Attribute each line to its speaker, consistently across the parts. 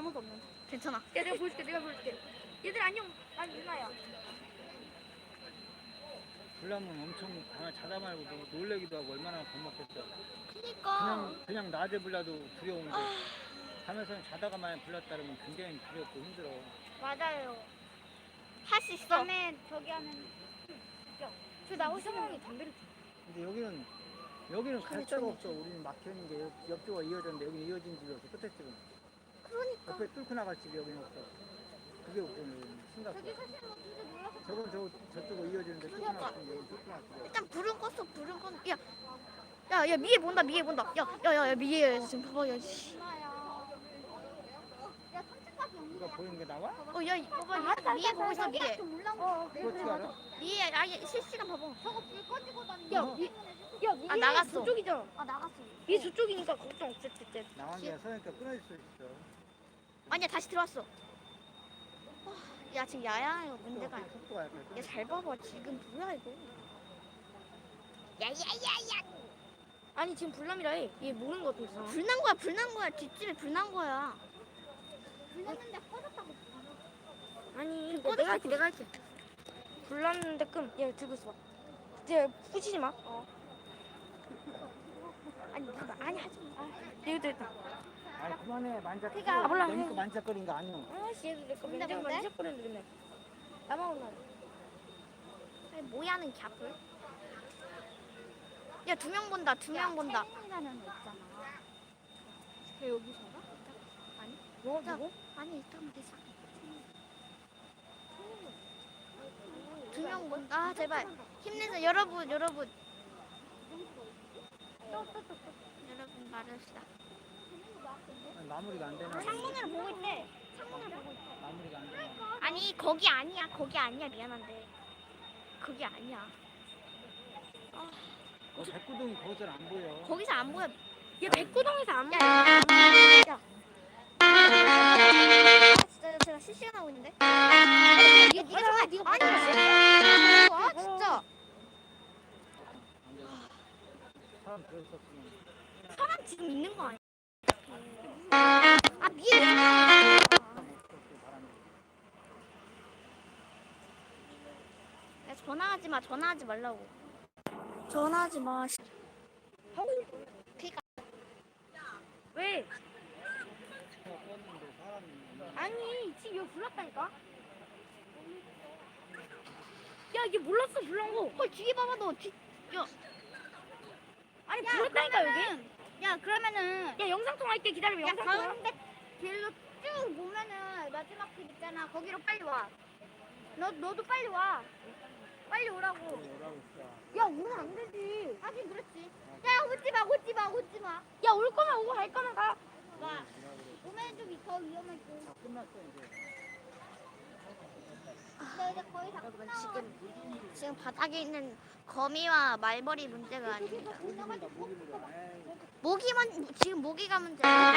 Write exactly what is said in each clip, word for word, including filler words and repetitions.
Speaker 1: 아무도 없는데.
Speaker 2: 괜찮아.
Speaker 1: 야, 내가 보여줄게, 내가 보여줄게. 얘들 안녕. 난 유나야.
Speaker 3: 불나면 엄청 강을 자다 말고 뭐 놀래기도 하고 얼마나 겁먹겠어.
Speaker 2: 그니까.
Speaker 3: 그냥 그냥 낮에 불러도 두려운데 밤에서는 자다가 만약 불렀다면 굉장히 두렵고 힘들어.
Speaker 1: 맞아요.
Speaker 2: 할 수 있어.
Speaker 1: 밤에 저기 하면. 저 나고 싶으면 담배를
Speaker 3: 근데 여기는 여기는 갈 데가 없어. 우리는 막혀 있는 게 옆- 옆쪽으로 이어졌는데 여기는 이어진 집이 없어. 끝에 집은.
Speaker 2: 그러니까.
Speaker 3: 옆에 뚫고 나갈 집이 여기는 없어. 그게 없거든.
Speaker 1: 저기
Speaker 3: 심각해.
Speaker 1: 사실 뭐 진짜 놀라서.
Speaker 3: 저건 저 저쪽으로 이어지는데 뚫고
Speaker 2: 그러니까.
Speaker 3: 나갈 집이 여기 뚫고 나갈 집이 없어.
Speaker 2: 일단 불은 껐어. 불은 껐. 야. 야, 야, 미에 본다. 미에 본다. 야, 야, 야, 야 미에 지금 봐봐. 야, 씨.
Speaker 1: 유나야. 야, 삼층까지 연기.
Speaker 3: 누가 보이는 게 나와?
Speaker 2: 어, 야, 봐봐. 미에 보고 있어. 미에.
Speaker 1: 어,
Speaker 3: 그거 어떻게 알아?
Speaker 2: 미에 아예 실시간 봐봐.
Speaker 1: 저거 불 꺼지고 다니는.
Speaker 3: 야,
Speaker 1: 야,
Speaker 3: 미-
Speaker 1: 야, 위에
Speaker 2: 아, 나갔어.
Speaker 1: 저쪽이잖아.
Speaker 2: 아, 나갔어.
Speaker 1: 위에 저쪽이니까 걱정 없을 때.
Speaker 3: 나간 게 서니까 끊어질 수 있어.
Speaker 2: 아니야, 다시 들어왔어. 아, 야, 지금 야야가 문제가 아니야.
Speaker 3: 속도가 약간
Speaker 2: 야, 잘 봐봐. 지금 뭐야 이거? 야야야야.
Speaker 1: 아니 지금 불남이라 해. 얘 모르는 것도 있어.
Speaker 2: 불난 거야, 불난 거야. 뒷집에 불난 거야.
Speaker 1: 불났는데 꺼졌다고. 아니
Speaker 2: 꺼졌어,
Speaker 1: 내가 할게 내가 할게. 불났는데 끔. 얘 들고 있어봐. 얘 부시지 마. 어. 아니 그거 아니 하지 마. 아, 얘도 됐다.
Speaker 3: 아니 그만해 만작.
Speaker 1: 그러니까 몰라.
Speaker 3: 내니까 만작거리는 거 아니야.
Speaker 1: 아씨 얘도 내거
Speaker 2: 뭔데,
Speaker 1: 맨날
Speaker 2: 뭔데?
Speaker 1: 만지작거리는데 맨날. 나만 올라.
Speaker 2: 아니, 뭐야는 갸불. 야, 두 명 본다. 두 명 본다.
Speaker 1: 채민이라는 애 있잖아. 걔 여기 살아? 아니. 뭐
Speaker 2: 야,
Speaker 1: 누구?
Speaker 2: 아니, 일단 되자. 두 명 본다. 아, 제발. 힘내서 여러분, 여러분. 여러분 말합시다.
Speaker 3: 마무리가 안 되나?
Speaker 1: 창문으로 보고 있대. 창문으로 보고 있대.
Speaker 3: 마무리가 안 되나?
Speaker 2: 아니, 거기 아니야. 거기 아니야. 미안한데. 거기 아니야.
Speaker 3: 어, 백구동이 거기서 안 보여.
Speaker 2: 거기서 안 보여.
Speaker 1: 얘 백구동에서 안
Speaker 2: 야,
Speaker 1: 보여.
Speaker 2: 야, 야. 진짜 제가 실시간 하고 있는데. 야, 네가 네가 정말 네가 아니 실시간. 아, 진짜.
Speaker 3: 사람 들었었으면.
Speaker 2: 사람 지금 있는 거 아니야? 아, 미에 왜 전화해? 야, 전화하지 마. 전화하지 말라고. 전화하지 마. 그니까
Speaker 1: 왜?
Speaker 3: 껐는데 사람이.
Speaker 1: 아니 지금 여기 불났다니까. 야 이게 몰랐어 불난 거.
Speaker 2: 헐 뒤에 봐봐 너. 뒤. 야,
Speaker 1: 아니 불났다니까 여기.
Speaker 2: 야 그러면은
Speaker 1: 야 영상 통화할게 기다려.
Speaker 2: 야
Speaker 1: 영상 통화.
Speaker 2: 가운데 길로 쭉 보면은 마지막 길 있잖아. 거기로 빨리 와. 너 너도 빨리 와. 빨리 오라고.
Speaker 3: 뭐라고 있어.
Speaker 2: 야 오면 안 되지. 하긴 그렇지. 야 오지 마, 오지 마, 오지 마.
Speaker 1: 야 올 거면 오고 갈 거면 가.
Speaker 2: 와. 오면 좀 더 위험하고.
Speaker 3: 다 끝났어 이제.
Speaker 2: 나 이제 거의 다 끝나. 지금 지금 바닥에 있는 거미와 말벌이 문제가 아닙니다.
Speaker 3: 모기물다 모기물다. 에이.
Speaker 2: 모기만 지금 모기가 문제야.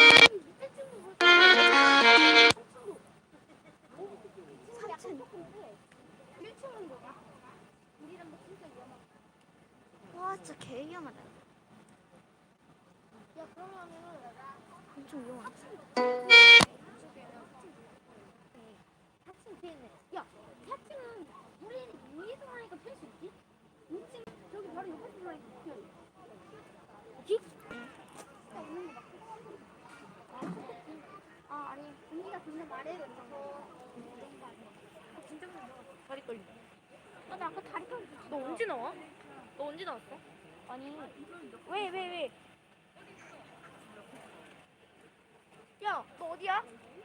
Speaker 2: 와 진짜 개 위험하다.
Speaker 1: 야 그러면은
Speaker 2: 엄청 위험하다.
Speaker 1: 사층 뒤에 있네. 야 사층은 우리 위에서 하니까 펼 수 있지? 이 층 저기 바로 옆에서 하니까 펴. 어디? 야 오는 거 맞지? 아 좋겠지. 아 아니 공기가 좋는 말해요 이런 거. 아 진짜 무서워. 다리 떨린다. 아나 아까 다리 떨렸어. 너 언제 나와? 너 언제 나왔어? 아니 왜 왜 왜? 야 너 어디야?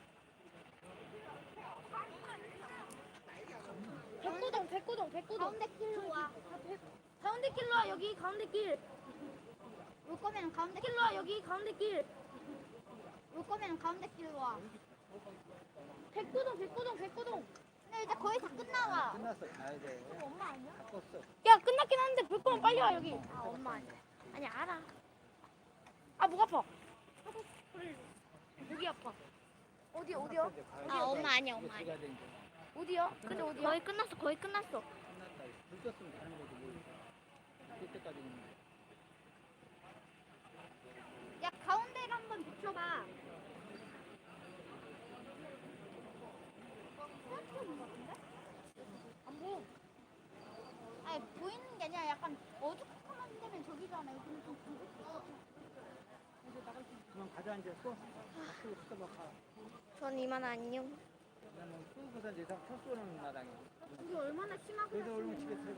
Speaker 1: 백구동 백구동 백구동
Speaker 2: 가운데 길로 와.
Speaker 1: 가운데 길로 와 여기 가운데 길.
Speaker 2: 올 거면 가운데
Speaker 1: 길로 와 여기 가운데 길.
Speaker 2: 올 거면 가운데 길로 와.
Speaker 1: 백구동 백구동 백구동.
Speaker 2: 근데 이제 거의 다 끝나가.
Speaker 3: 끝났어. 가야 돼.
Speaker 2: 엄마 아니야?
Speaker 3: 다 껐어.
Speaker 1: 야 끝났긴 하는데 볼 거면 빨리 와 여기.
Speaker 2: 아 엄마 아니야. 아니 알아.
Speaker 1: 아 목 아파. 목이 아파. 어디 어디요?
Speaker 3: 이제 가야
Speaker 2: 아
Speaker 3: 돼.
Speaker 2: 엄마 아니야
Speaker 3: 이제
Speaker 2: 엄마 아니야.
Speaker 3: 들어가야 돼, 이제.
Speaker 1: 어디요? 근데 어디요?
Speaker 2: 거의 끝났어 거의 끝났어.
Speaker 3: 끝났다. 불 껐으면 가는 거지 뭐. 그때까지는.
Speaker 2: 야 가운데를 한번 비춰봐.
Speaker 1: 나 여기는 좀 부족해.
Speaker 3: 그만 가자 이제 또. 밖으로 씻어봐 가.
Speaker 2: 전 이만 안녕.
Speaker 3: 그다음에 끄고서 이제 다 첫 쏘는 마당이야.
Speaker 1: 이게 얼마나 심하게
Speaker 3: 그래서 얼른 집에 들어가.